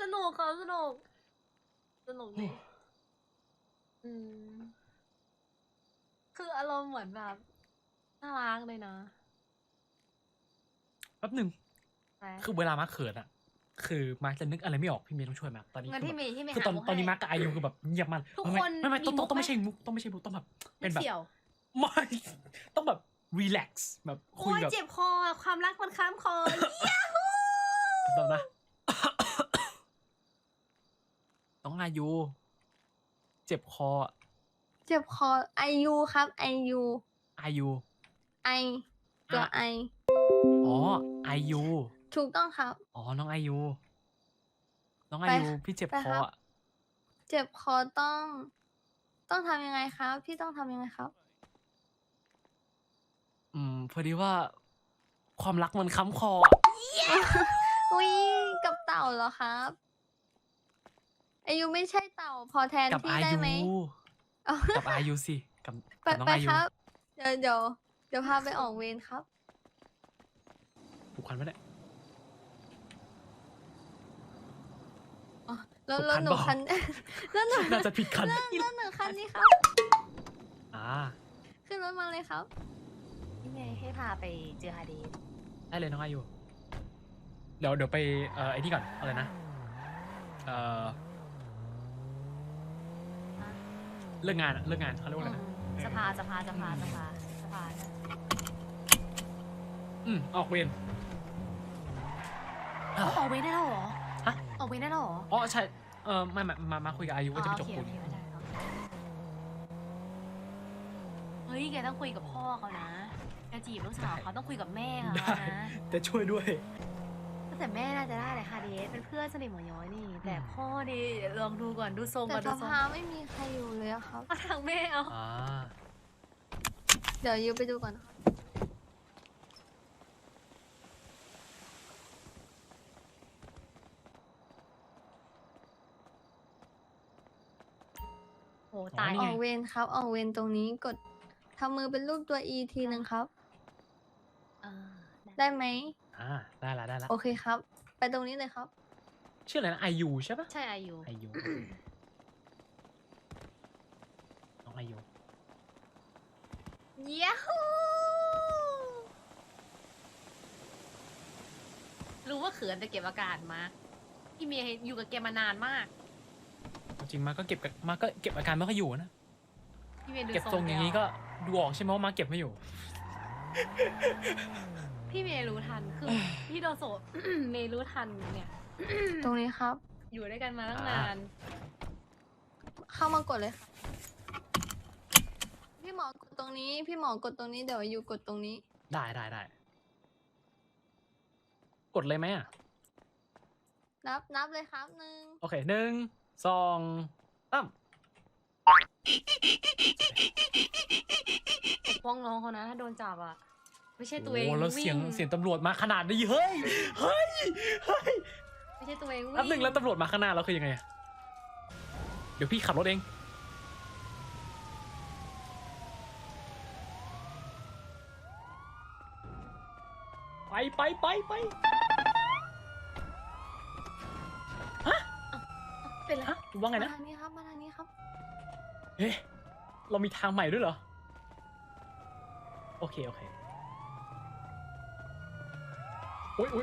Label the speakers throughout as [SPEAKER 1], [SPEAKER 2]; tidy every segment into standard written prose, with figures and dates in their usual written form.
[SPEAKER 1] นุกครับสนุกดีคืออารมณ์เหมือนแบบน่ารักเลยนะ
[SPEAKER 2] แป๊บหนึ่งคือเวลามาร์คเขินอะคือมาร์คจะนึกอะไรไม่ออกพี่เมย์ต้องช่วยมาตอนนี้
[SPEAKER 1] งั้นที่เมย์
[SPEAKER 2] คือตอนนี้มาร์คกับอายุคือแบบเงียบมัน
[SPEAKER 1] ทุกคน
[SPEAKER 2] ไม่ต้องไม่ใช่มุกต้องไม่ใช่มุกต้องแบบเป็นแบบไม่ต้องแบบรีแลกซ์แบบคุยแบบ
[SPEAKER 1] เจ็บคอความรักมันค้ำคอย้าฮู
[SPEAKER 2] ตอนนะต้องอายุเจ็บคอ
[SPEAKER 3] ไอยูครับไอยู
[SPEAKER 2] อายุ
[SPEAKER 3] ไอตัวไอ
[SPEAKER 2] อ๋ออายุ
[SPEAKER 3] ถูกต้องครับ
[SPEAKER 2] อ๋อน้องอายุพี่เจ็บคอ
[SPEAKER 3] เจ็บคอต้องทำยังไงครับ พี่ต้องทำยังไงครับ
[SPEAKER 2] พอดีว่าความรักมันค้ำคอ
[SPEAKER 3] อุ้ยกับเต่าเหรอครับอายุไม่ใช่เต่าพอแทน
[SPEAKER 2] กับ
[SPEAKER 3] พี่
[SPEAKER 2] อา
[SPEAKER 3] ได้
[SPEAKER 2] ยุ
[SPEAKER 3] ไหม
[SPEAKER 2] กับอายุสิกับ
[SPEAKER 3] ไป
[SPEAKER 2] น้อง
[SPEAKER 3] ไป
[SPEAKER 2] อายุ
[SPEAKER 3] ครับ เดี๋ยวพาไปออกเวรครับ
[SPEAKER 2] ผูกพันไหมเนี่ย
[SPEAKER 3] อ๋อแล้ว
[SPEAKER 2] ถูกคัน
[SPEAKER 3] หนู
[SPEAKER 2] เปล่า
[SPEAKER 3] คัน แล้วหนู
[SPEAKER 2] น่าจะผิดคัน
[SPEAKER 3] แล้วหนูคันนี้ครับ ขึ้นรถมาเลยครับ
[SPEAKER 1] พี่เมย์ให้พาไปเจอฮาเดส
[SPEAKER 2] ได้เลยน้องอายุเดี๋ยวไปไอ้นี่ก่อนอะไรนะเลิกงานเขาเรียกว่าอะไรนะ
[SPEAKER 1] สภา
[SPEAKER 2] ออกเวร
[SPEAKER 1] ออกเวรได้แล้วเหรอ
[SPEAKER 2] ฮะ
[SPEAKER 1] ออกเวรได้แล้วเหรอ
[SPEAKER 2] อ๋อใช่ไม่มาคุยกับอายุว่าจะไปจบปูน
[SPEAKER 1] เฮ้ยแกต้องคุยกับพ่อเขานะแกจีบลูกสาวเขาต้องคุยกับแม่เขา
[SPEAKER 2] ได้
[SPEAKER 1] นะ
[SPEAKER 2] จะช่วยด้วย
[SPEAKER 1] แต่แม่น่าจะได้เลยค่ะเดสเป็นเพื่อนสนิทหมอย้อยนี่ แต่พ่อดิลองดูก่อนดูทรง
[SPEAKER 3] แต่
[SPEAKER 1] ก่อน
[SPEAKER 3] ส
[SPEAKER 1] ดูทรง
[SPEAKER 3] ภาไม่มีใครอยู่เลยอะครับ
[SPEAKER 1] เอาทางแม่เอา
[SPEAKER 3] เดี๋ยวยูไปดูก่อนครับ
[SPEAKER 1] โหตาย
[SPEAKER 2] นี่
[SPEAKER 3] อ
[SPEAKER 2] ไง
[SPEAKER 3] อกเวรครับ ออกเวรตรงนี้กดทำมือเป็นรูปตัว E ทีหนึ่งครับ
[SPEAKER 1] เออ
[SPEAKER 3] ได้ไหม
[SPEAKER 2] ได้ละ
[SPEAKER 3] โอเคครับ ไปตรงนี้เลยครับ
[SPEAKER 2] ชื่ออะไรนะอายุใช่ปะ
[SPEAKER 1] ใช่อายุ
[SPEAKER 2] อายุน้องอายุ
[SPEAKER 1] ยาฮูรู้ว่าเขินแต่เก็บอาการมาพี่เมย์อยู่กับแกมานานมาก
[SPEAKER 2] จริงมาก็เก็บอาการไม่ค่อยอยู่นะ
[SPEAKER 1] พี่เมย์ดู
[SPEAKER 2] เก็บทรงอย่างนี้ก็ดูออกใช่ไหมว่ามาเก็บไม่อยู่
[SPEAKER 1] พี่เมย์รู้ทันคือพี่โดโซ เมย์รู้ทันเนี่ย
[SPEAKER 3] ตรงนี้ครับ
[SPEAKER 1] อยู่ด้วยกันมาตั้งนาน
[SPEAKER 3] เข้ามากดเลยค่ะ พี่หมอกดตรงนี้ พี่หมอกดตรงนี้ เดี๋ยวยูกดตรงนี้
[SPEAKER 2] ได้กดเลยไหมอ่ะ
[SPEAKER 3] นับเลยครับหนึ่ง
[SPEAKER 2] โอเค1 2 3
[SPEAKER 1] ปกป้องน้องเขานะถ้าโดนจับอ่ะ ไม่ใช่ตัวเอง
[SPEAKER 2] โอ้แล้วเสียง
[SPEAKER 1] วิ่ง
[SPEAKER 2] ตำรวจมาขนาดนี้เฮ้ย
[SPEAKER 1] ไม่ใช่ตัวเองวิ่ง
[SPEAKER 2] แป๊บหนึ่งแล้วตำรวจมาข้างหน้าเราคือยังไงอะเดี๋ยวพี่ขับรถเองไปฮะ
[SPEAKER 1] เป็นไร
[SPEAKER 2] ฮะว่าไง
[SPEAKER 3] มา
[SPEAKER 2] นะ
[SPEAKER 3] ทางนี้ครับ มาทางนี้ครับ
[SPEAKER 2] เอ๊ะเรามีทางใหม่ด้วยเหรอโอเคอุ้ย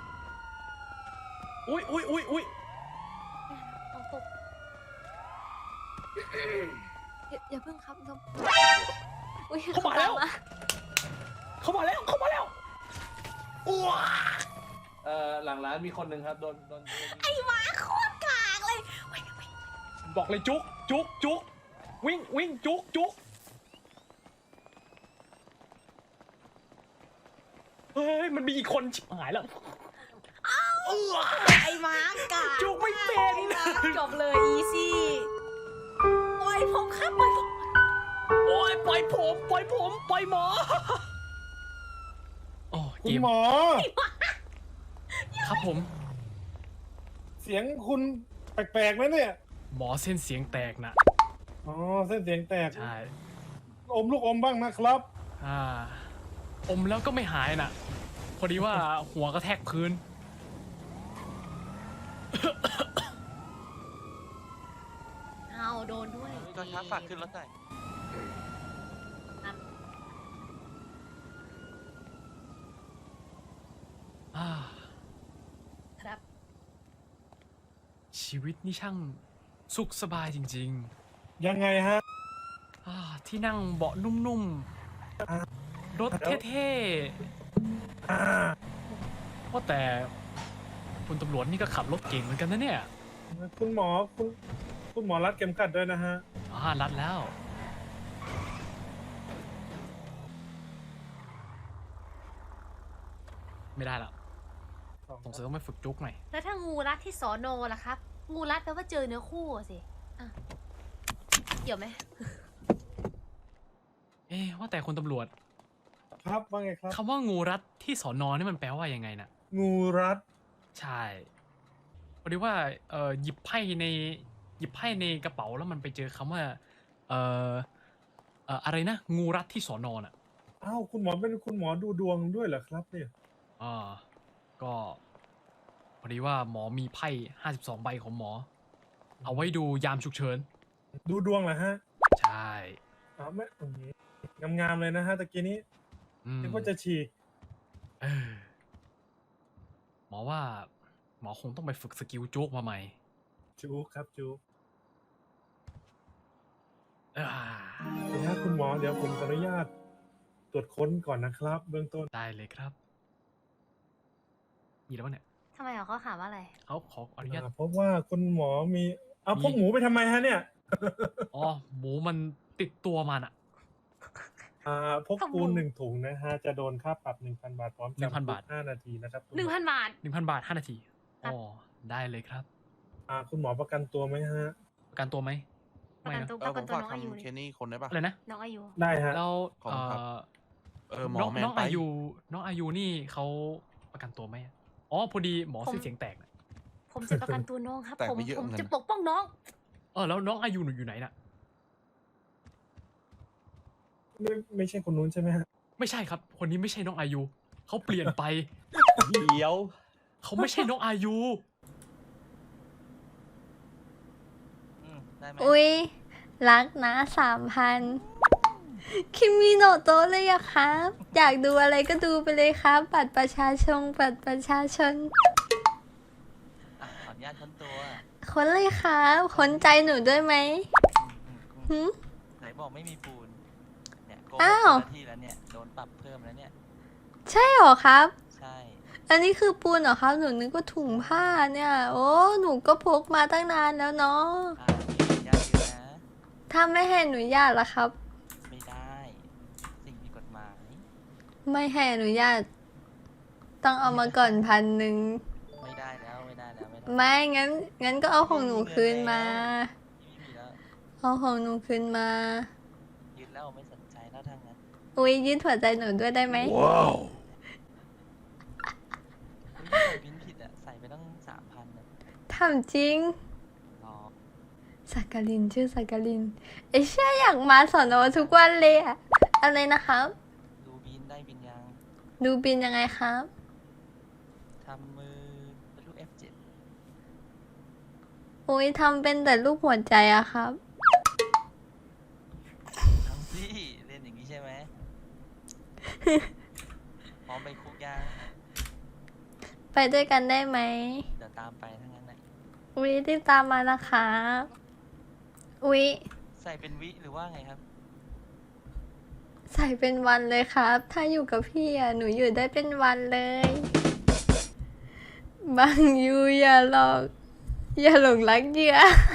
[SPEAKER 1] เอาตก
[SPEAKER 3] อย่าเพิ่งครับอุ้ย
[SPEAKER 2] เข้ามาแล้วว้า
[SPEAKER 4] หลังร้านมีคนหนึ่งครับโดน
[SPEAKER 1] ไอ้หมาโคตรกากเลย
[SPEAKER 2] บอกเลยจุกวิ่งจุกเฮ้ยมันมีอีกคนชิบหายแล้ว
[SPEAKER 1] ไอ้หมากาก
[SPEAKER 2] จุกไม่เป็น
[SPEAKER 1] จบเลยอีซี่ปล่อยผมครับปล่อยผม
[SPEAKER 2] โอ้ยปล่อยหมอโอ้
[SPEAKER 4] คุ
[SPEAKER 2] เก
[SPEAKER 4] ณ
[SPEAKER 2] ม
[SPEAKER 4] หมอ
[SPEAKER 2] ครับผม
[SPEAKER 4] เสียงคุณแปลกๆนะเนี่ย
[SPEAKER 2] หมอเส้นเสียงแตกนะ
[SPEAKER 4] อ๋อเส้นเสียงแตก
[SPEAKER 2] ใช่
[SPEAKER 4] อมลูกอมบ้างนะครับ
[SPEAKER 2] อมแล้วก็ไม่หายน่ะ พอดีว่าหัวกระแทกพื้น
[SPEAKER 5] ครับฝากขึ้นรถหน่อย
[SPEAKER 2] อ่า
[SPEAKER 1] ครับ
[SPEAKER 2] ชีวิตนี่ช่างสุขสบายจริง
[SPEAKER 4] ยังไงฮะ
[SPEAKER 2] ๆที่นั่งเบาะนุ่มๆ รถเท่ๆว่าแต่คุณตำรวจนี่ก็ขับรถเก่งเหมือนกันนะเนี่ย
[SPEAKER 4] คุณหมอคุณหมอรัดเข็มขัดด้วยนะฮะ
[SPEAKER 2] รัดแล้ว ไม่ได้ละสงสัยต้องไปฝึกจุกหน่อย
[SPEAKER 1] แล้วถ้างูรัดที่สอนอล่ะครับ งูรัดแปลว่าเจอเนื้อคู่อะสิอ่ะเกี่ยวไหม
[SPEAKER 2] ว่าแต่คุณตำรวจ
[SPEAKER 4] ครับว่าไงครับ
[SPEAKER 2] คำว่างูรัดที่สอนอนี่มันแปลว่ายังไงนะ
[SPEAKER 4] งูรัด
[SPEAKER 2] ใช่พอดีว่าหยิบไพ่ในกระเป๋าแล้วมันไปเจอคำว่าอะไรนะ งูรัดที่สอนอน่ะ
[SPEAKER 4] อ้าวคุณหมอเป็นคุณหมอดูดวงด้วยเหรอครับเนี่ย
[SPEAKER 2] ก็พอดีว่าหมอมีไพ่52 ใบของหมอ เอาไว้ดูยามฉุกเฉิน
[SPEAKER 4] ดูดวงเหรอฮะ
[SPEAKER 2] ใช่
[SPEAKER 4] อ้าวไม่โอเคงามๆเลยนะฮะตะกี้นี้
[SPEAKER 2] อืม
[SPEAKER 4] นึกว่าจะฉีก
[SPEAKER 2] เออหมอว่าหมอคงต้องไปฝึกสกิลโจ๊กมาใหม่
[SPEAKER 4] จูครับจู
[SPEAKER 2] อ่า
[SPEAKER 4] เดี๋ยวนะคุณหมอเดี๋ยวผมขออนุญาตตรวจค้นก่อนนะครับ เบื้องต้น
[SPEAKER 2] ได้เลยครับมีแล้วปะเนี่ย
[SPEAKER 1] ทำไมเหรอเขาถามว่าอะไร
[SPEAKER 2] เขาขออนุญาต
[SPEAKER 4] เพราะว่าคุณหมอมีเอา
[SPEAKER 2] มี
[SPEAKER 4] พวกหมูไปทำไมฮะเนี่ย
[SPEAKER 2] หมูมันติดตัวมันอะ
[SPEAKER 4] พกปูน1 ถุงนะฮะ จะโดนค่าปรับ 1,000 บาทพร้อมจำคุ
[SPEAKER 2] 1,000 บาท
[SPEAKER 4] ก5 นาทีนะครับคุณหมอ
[SPEAKER 1] 1,000 บาท
[SPEAKER 2] 1,000 บาท 5 นาที
[SPEAKER 1] ครับ
[SPEAKER 2] ได้เลยครับ
[SPEAKER 4] คุณหมอประกันตัวไหมฮะ
[SPEAKER 2] ประกันตัวไหม
[SPEAKER 1] ประกันตัว
[SPEAKER 5] ผ
[SPEAKER 1] ประกัน
[SPEAKER 5] ม
[SPEAKER 1] ตัว
[SPEAKER 5] ฝาก
[SPEAKER 1] น้องอายุ
[SPEAKER 5] ทำ
[SPEAKER 1] เล
[SPEAKER 5] เค
[SPEAKER 1] ย
[SPEAKER 5] นี่คนได้ปะ
[SPEAKER 2] อะไรนะ
[SPEAKER 1] น้องอายุ
[SPEAKER 4] ได้ฮะ
[SPEAKER 2] แล้ว
[SPEAKER 5] ขอบคุณครับ หม
[SPEAKER 2] น้
[SPEAKER 5] อ
[SPEAKER 2] อง
[SPEAKER 5] แมน
[SPEAKER 2] น้อง
[SPEAKER 5] ไป
[SPEAKER 2] อายุน้องอายุนี่เขาประกันตัวไหมอะพอดีหมอเสียงแตกนะ
[SPEAKER 1] ผมจะประกันตัวน้องครับ
[SPEAKER 5] แต่
[SPEAKER 1] ผม
[SPEAKER 5] ไม่เยอะ
[SPEAKER 1] ผม
[SPEAKER 5] เหมือนกัน
[SPEAKER 1] จะปกป้องน้อง
[SPEAKER 2] แล้วน้องอายุหนูอยู่ไหนน่ะ
[SPEAKER 4] ไม่ใช่คนนู้นใช่ไหมฮะ
[SPEAKER 2] ไม่ใช่ครับ คนนี้ไม่ใช่น้องอายุเขาเปลี่ยนไป
[SPEAKER 6] เดี๋ยว
[SPEAKER 2] เขาไม่ใช่น้องอายุ
[SPEAKER 5] ได้ไหม
[SPEAKER 3] อุ๊ย รักนะ3,000คิมิโนโตะเลยอะครับ อยากดูอะไรก็ดูไปเลยครับ บัตรประชาชน
[SPEAKER 5] ขออนุญาตค้นตัว
[SPEAKER 3] ค้นเลยครับค้นใจหนูด้วยไหมหืม
[SPEAKER 5] ไหนบอกไม่มีปูน เนี่ยโกง
[SPEAKER 3] อ้าว
[SPEAKER 5] เจ้าหน้าที่แล้วเนี่ย โดนปรับเพิ่มแล้วเนี่ย
[SPEAKER 3] ใช่เหรอครับ
[SPEAKER 5] ใช่
[SPEAKER 3] อันนี้คือปูนเหรอครับ หนูนึกว่าถุงผ้าเนี่ย โอ้ หนูก็พกมาตั้งนานแล้วเนาะ
[SPEAKER 5] มีญาติเยอะนะ
[SPEAKER 3] ถ้าไม่ให้อนุญาตล่ะครับ
[SPEAKER 5] ไม่ได้ สิ่งผิดกฎหมาย
[SPEAKER 3] ไม่ให้อนุญาต ต้องเอามาก่อน1,000
[SPEAKER 5] ไม่ได้แล้ว ไม่ได้แล้ว ไม่ได้
[SPEAKER 3] ไม่งั้นก็เอาของหนูคืนมา
[SPEAKER 5] ไม่มีแล้ว
[SPEAKER 3] เอาของหนูคืนมา
[SPEAKER 5] ยืนแล้วไม่สนใจแล้วทางนั้น
[SPEAKER 3] อุ๊ยยืดหัวใจหนูด้วยได้ไหม
[SPEAKER 5] ใส่บินผิดอ่ะ ใส่ไปตั้ง3,000นะ
[SPEAKER 3] ทำจริง
[SPEAKER 5] รอ
[SPEAKER 3] สักกลินชื่อสักกลินไอ้เชื่ออยากมาสอนอทุกวันเลยอะอะไรนะครับ
[SPEAKER 5] ดูบินได้บินยัง
[SPEAKER 3] ดูบินยังไงครับ
[SPEAKER 5] ทำมือเป็นรูป F7
[SPEAKER 3] อุ๊ยทำเป็นแต่รูปหัวใจอะครับ
[SPEAKER 5] ทำสิเล่นอย่างนี้ใช่ไหม พร้อมไปคุกยัง
[SPEAKER 3] ไปด้วยกันได้ไหม
[SPEAKER 5] เดี๋ยวตามไปทั้งนั้นนะ
[SPEAKER 3] อุ๊ยรีบตามมานะครับอุ๊ย
[SPEAKER 5] ใส่เป็นวิหรือว่าไงครับ
[SPEAKER 3] ใส่เป็นวันเลยครับ ถ้าอยู่กับพี่อะหนูอยู่ได้เป็นวันเลย บางยูอย่าหลอก อย่าหลงรักเหยื่อ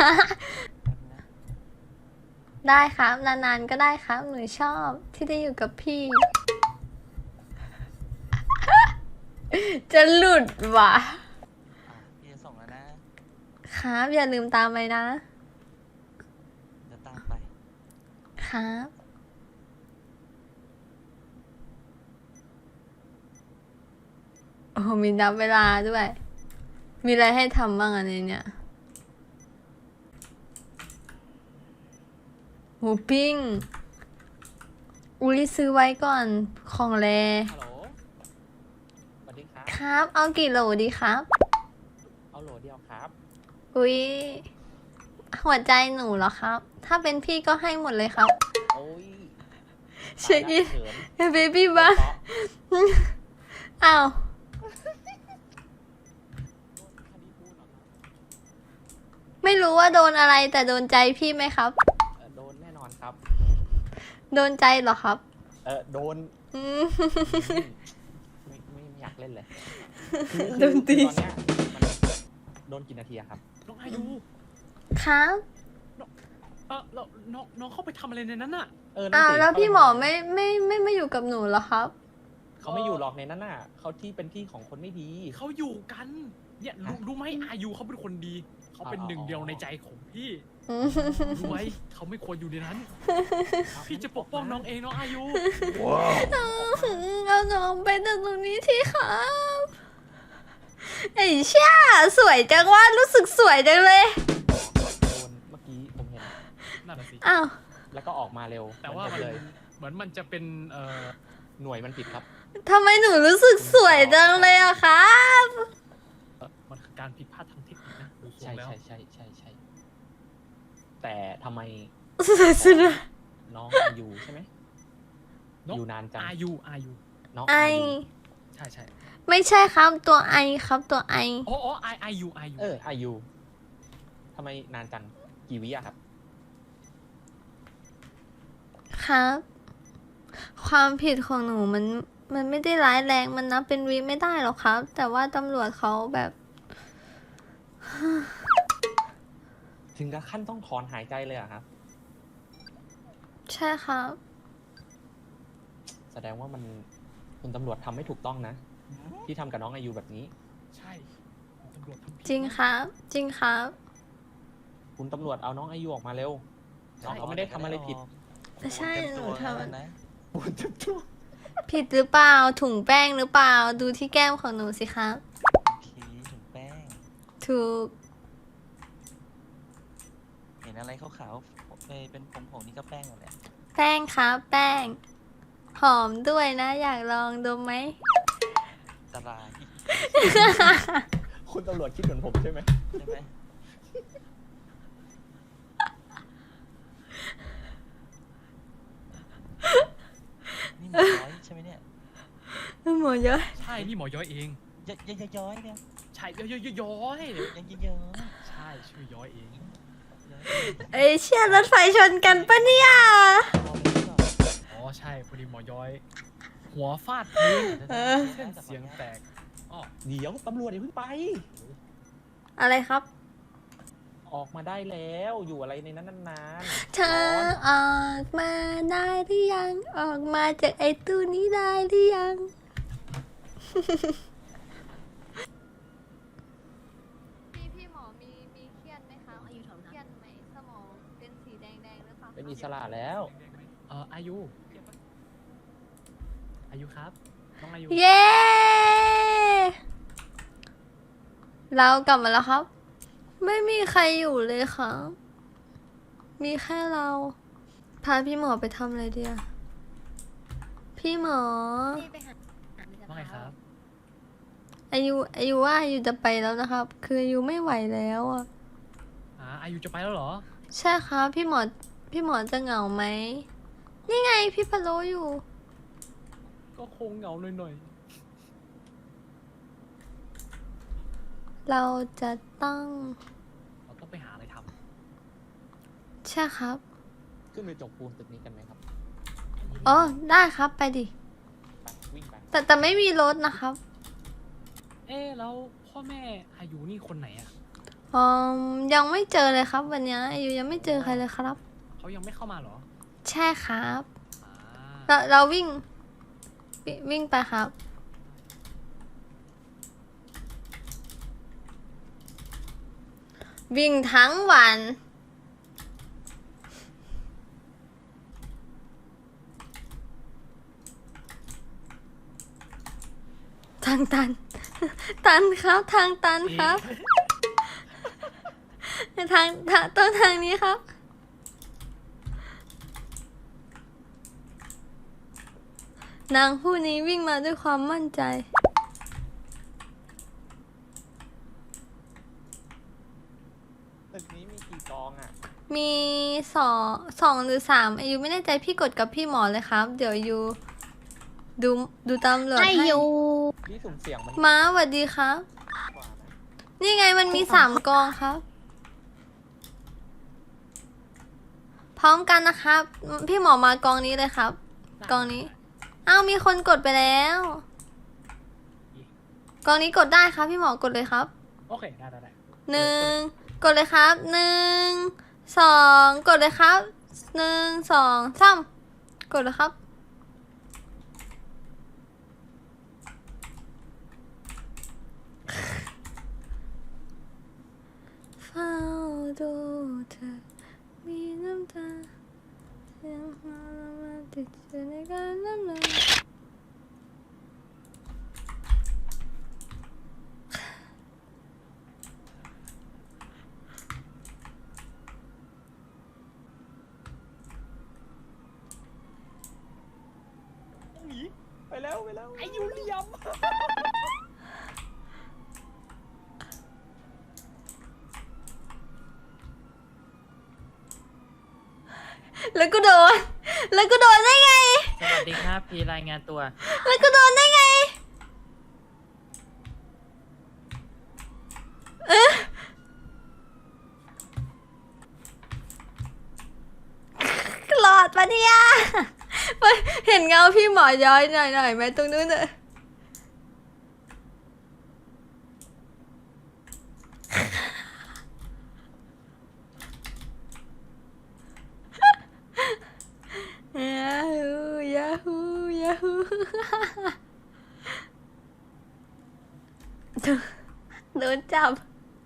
[SPEAKER 3] ได้ครับนานๆก็ได้ครับ หนูชอบที่ได้อยู่กับพี่ จะหลุดว่ะ
[SPEAKER 5] พี่จะส่งแล้วนะ
[SPEAKER 3] ครับอย่าลืมตามไปนะ
[SPEAKER 5] เดี๋ยวตามไป
[SPEAKER 3] ครับโอ้มีนับเวลาด้วย มีอะไรให้ทำบ้างอันนี้เนี่ยหมูปิ้ง อุ้ยซื้อไว้ก่อนของแร
[SPEAKER 6] ฮัลโหล สวัสดีครับ
[SPEAKER 3] ครับ เอากี่โหลดีครับ
[SPEAKER 6] เอาโหลเดียวครับ
[SPEAKER 3] อุ้ยหัวใจหนูเหรอครับ ถ้าเป็นพี่ก็ให้หมดเลยครับ
[SPEAKER 6] โอ้ย
[SPEAKER 3] เช็คอิน
[SPEAKER 6] เขิน
[SPEAKER 3] เบบี้บ้าอ้าว ไม่รู้ว่าโดนอะไรแต่โดนใจพี่ไหมครับ
[SPEAKER 6] โดนแน่นอนครับ
[SPEAKER 3] โดนใจเหรอครับ
[SPEAKER 6] โดน
[SPEAKER 3] อืม
[SPEAKER 6] ไม่อยากเล่นเลย
[SPEAKER 3] โดนตี
[SPEAKER 6] ตอนเนี้ยมันโดนกี่นาทีอะครับ
[SPEAKER 2] น้องอายุ
[SPEAKER 3] ครับ
[SPEAKER 2] แล้วน้องเข้าไปทำอะไรในนั้นน่ะ
[SPEAKER 6] นั่น
[SPEAKER 3] อ้าว
[SPEAKER 6] สิ
[SPEAKER 3] แล้ว
[SPEAKER 6] เขา
[SPEAKER 3] พี่หมอไม่อยู่กับหนูเหรอครับ
[SPEAKER 6] เขาไม่อยู่หรอกในนั้นน่ะเขาที่เป็นที่ของคนไม่ดี
[SPEAKER 2] เขาอยู่กันเนี่ยรู้ไหมอายุเขาเป็นคนดี เขาเป็น
[SPEAKER 6] อ๋อ
[SPEAKER 2] หนึ่งเดียวในใจของพี่
[SPEAKER 3] อืม
[SPEAKER 2] รู้ไหมเขาไม่ควรอยู่ในนั้น พี่จะปกป้องน้องเองน้องอายุ
[SPEAKER 3] เอาน้องไปจากตรงนี้ทีครับไอ้เชี่ยสวยจังว่ารู้สึกสวยจังเลย
[SPEAKER 6] โดนเมื่อกี้ผมเห็น
[SPEAKER 2] นั่นแหละสิ
[SPEAKER 3] อ้าว
[SPEAKER 6] แล้วก็ออกมาเร็ว
[SPEAKER 2] แต่ว่า
[SPEAKER 6] เหมือนกันเลย
[SPEAKER 2] เหมือนมันจะเป็น
[SPEAKER 6] หน่วยมันผิดครับ
[SPEAKER 3] ทำไมหนูรู้สึกสวยจังเลยอะครับ
[SPEAKER 2] มันคือการผิดพลาดทางเทคนิคนะดูทร
[SPEAKER 6] ใช่
[SPEAKER 2] งแล้ว
[SPEAKER 6] ใช่แต่ทำไม
[SPEAKER 3] สวยสุดเลย
[SPEAKER 6] น้องอายุใช่ไหมอยู่นานจัง
[SPEAKER 2] อายุ
[SPEAKER 6] น้อง
[SPEAKER 3] ไอ
[SPEAKER 6] อายุ
[SPEAKER 2] ใช่ใช่
[SPEAKER 3] ไม่ใช่ครับตัวไอครับตัวไอ
[SPEAKER 2] อ๋ออายุ
[SPEAKER 6] อายุทำไมนานจังกี่วิอะครับ
[SPEAKER 3] ครับ ความผิดของหนูมันไม่ได้ร้ายแรงมันนับเป็นวิไม่ได้หรอกครับ แต่ว่าตำรวจเขาแบบ
[SPEAKER 6] ถึงกับขั้นต้องถอนหายใจเลยเหรอะครับ
[SPEAKER 3] ใช่ครับ
[SPEAKER 6] แสดงว่ามันคุณตำรวจทำไม่ถูกต้องนะ ที่ทำกับน้องอายุแบบนี้
[SPEAKER 2] ใช่ตำรวจทำผิด
[SPEAKER 3] จริงครับ จริงครับ
[SPEAKER 6] คุณตำรวจเอาน้องอายุออกมาเร็วน้องเขาไม่ได้ทำอะไรผิด
[SPEAKER 3] ใช่หนูทำ
[SPEAKER 5] นะ
[SPEAKER 3] ผิดหรือเปล่าถุงแป้งหรือเปล่าดูที่แก้มของหนูสิครับ
[SPEAKER 5] ผีถุงแป้ง
[SPEAKER 3] ถูก
[SPEAKER 5] เห็นอะไรขาวๆเป็นผงๆนี่ก็แป้งหมดแหละ
[SPEAKER 3] แป้งครับแป้ง หอมด้วยนะ อยากลองดมไหม
[SPEAKER 5] ตราย
[SPEAKER 6] คุณตำรวจคิดเหมือนผมใช่ไหม
[SPEAKER 5] ใช่ไหมนี่หมอย้อยใช่ไหมเนี่ย
[SPEAKER 3] หมอเยอะ
[SPEAKER 2] ใช่นี่หมอย้อยเอง
[SPEAKER 5] ย้อยเนี่ย
[SPEAKER 2] ใช่ย้อย
[SPEAKER 5] ยังย้อย
[SPEAKER 2] ใช่ชื่อย้อยเอง
[SPEAKER 3] เอ้ยเชี่ยรถไฟชนกันปะเนี่ย
[SPEAKER 2] อ๋อใช่พอดีหมอย้อย หัวฟาดพื้น
[SPEAKER 3] เออ
[SPEAKER 2] เส้นเสียงแตกอ๋อ
[SPEAKER 6] เดี๋ยวตำรวจอย่าเพิ่งไป
[SPEAKER 3] อะไรครับ
[SPEAKER 6] ออกมาได้แล้วอยู่อะไรในนั้นนาน
[SPEAKER 3] เธอออกมาได้หรือยัง ออกมาจากไอ้ตู้นี้ได้หรือยัง พี่หมอมีเครียดไหมคะ
[SPEAKER 1] อายุเท่า
[SPEAKER 3] เค
[SPEAKER 1] นั้น
[SPEAKER 3] รียดไหมสมองเป็นสีแดงหรือเปล่า
[SPEAKER 6] เป็นอิสระแล้ว
[SPEAKER 2] อายุครับน้องอายุ
[SPEAKER 3] เย้ เรากลับมาแล้วครับ ไม่มีใครอยู่เลยครับ มีแค่เรา พาพี่หมอไปทำอะไรเดียพี่หมอ
[SPEAKER 1] นี่ไปหา
[SPEAKER 2] ว่าไงครับ
[SPEAKER 3] อายุว่าอายุจะไปแล้วนะครับ คืออายุไม่ไหวแล้วอ่ะ
[SPEAKER 2] อายุจะไปแล้วเหรอ
[SPEAKER 3] ใช่ครับพี่หมอจะเหงาไหม นี่ไงพี่พะโลอยู่
[SPEAKER 2] ก็คงเหงาหน่อย
[SPEAKER 3] เราจะต้อง
[SPEAKER 2] ๆเราต้องไปหาอะไรท
[SPEAKER 3] ใช่ครับ
[SPEAKER 6] ขึ้นไปจกปูนตึกนี้กันไหมครับ
[SPEAKER 3] อ๋อได้ครับไปดิ
[SPEAKER 6] ไปวิ่งไป
[SPEAKER 3] แต่ไม่มีรถนะครับ
[SPEAKER 2] แล้วพ่อแม่อายุนี่คนไหนอ่ะ
[SPEAKER 3] อ๋อยังไม่เจอเลยครับ วันนี้อายุยังไม่เจอใครเลยครับ
[SPEAKER 2] เขายังไม่เข้ามาเหรอ
[SPEAKER 3] ใช่ครับ
[SPEAKER 2] อ่า
[SPEAKER 3] เราวิ่งไปครับ วิ่งทั้งวัน ทางตัน ตันครับ ทางตันครับ ต้นทางนี้ครับ นางผู้นี้วิ่งมาด้วยความมั่นใจ
[SPEAKER 6] ตึกนี้มีกี่กองอ่ะ
[SPEAKER 3] มีสองหรือสามอายุไม่แน่ใจพี่กดกับพี่หมอเลยครับ เดี๋ยวยูดูตำรวจ
[SPEAKER 1] ให้
[SPEAKER 3] ให้
[SPEAKER 1] อยู่
[SPEAKER 6] พี่สุ่มเสี่ยงมัน
[SPEAKER 3] ม้าสวัสดีครับ
[SPEAKER 6] กว่านะ
[SPEAKER 3] นี่ไงมันมี3 กองครับ พร้อมกันนะครับ พี่หมอมากองนี้เลยครับ กองนี้ อ้าวมีคนกดไปแล้ว กองนี้กดได้ครับ พี่หมอกดเลยครับ
[SPEAKER 2] โอเค ได้
[SPEAKER 3] 1 กดเลยครับ 1 2 กดเลยครับ 1 2 3 กดเลยครับ เฝ้าดูเธอ มีน้ำตาเสียงหัวเราะมาติดอยู่ในการน้ำลาย
[SPEAKER 6] หนีไปแล้ว
[SPEAKER 2] ไอ้ยูเลียม
[SPEAKER 3] แล้วก็โดน แล้วก็โดนได้ไง
[SPEAKER 7] สวัสดีครับ พี่รายงานตัว
[SPEAKER 3] แล้วก็โดนได้ไง หลอดปะเนี่ยเห็นเงาพี่หมอย้อยหน่อยไหมตรงนู้นน่ะยาฮูโดนจับ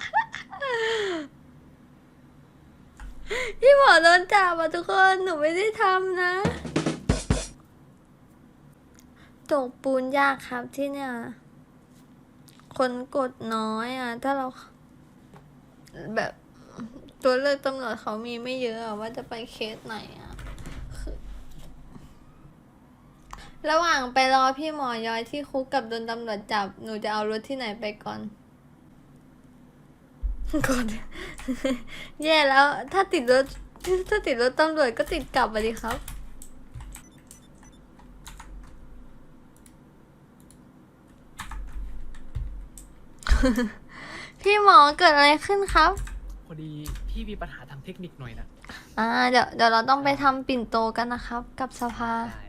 [SPEAKER 3] พี่หมอโดนจับอ่ะทุกคน หนูไม่ได้ทำนะตกปูนยากครับที่เนี่ย คนกดน้อยอ่ะ ถ้าเรา แบบตัวเลือกตำรวจเขามีไม่เยอะอะว่าจะไปเคสไหนอ่ะคือระหว่างไปรอพี่หมอย้อยที่คุกกับโดนตำรวจจับ หนูจะเอารถที่ไหนไปก่อนกด แย่แล้ว ถ้าติดรถตำรวจก็ติดกลับมาดิครับ พี่หมอเกิดอะไรขึ้นครับ
[SPEAKER 2] พอดีพี่มีปัญหาทางเทคนิคหน่อยนะ
[SPEAKER 3] เดี๋ยวเราต้องไปทำปิ่นโตกันนะครับ กับสภา
[SPEAKER 2] ได้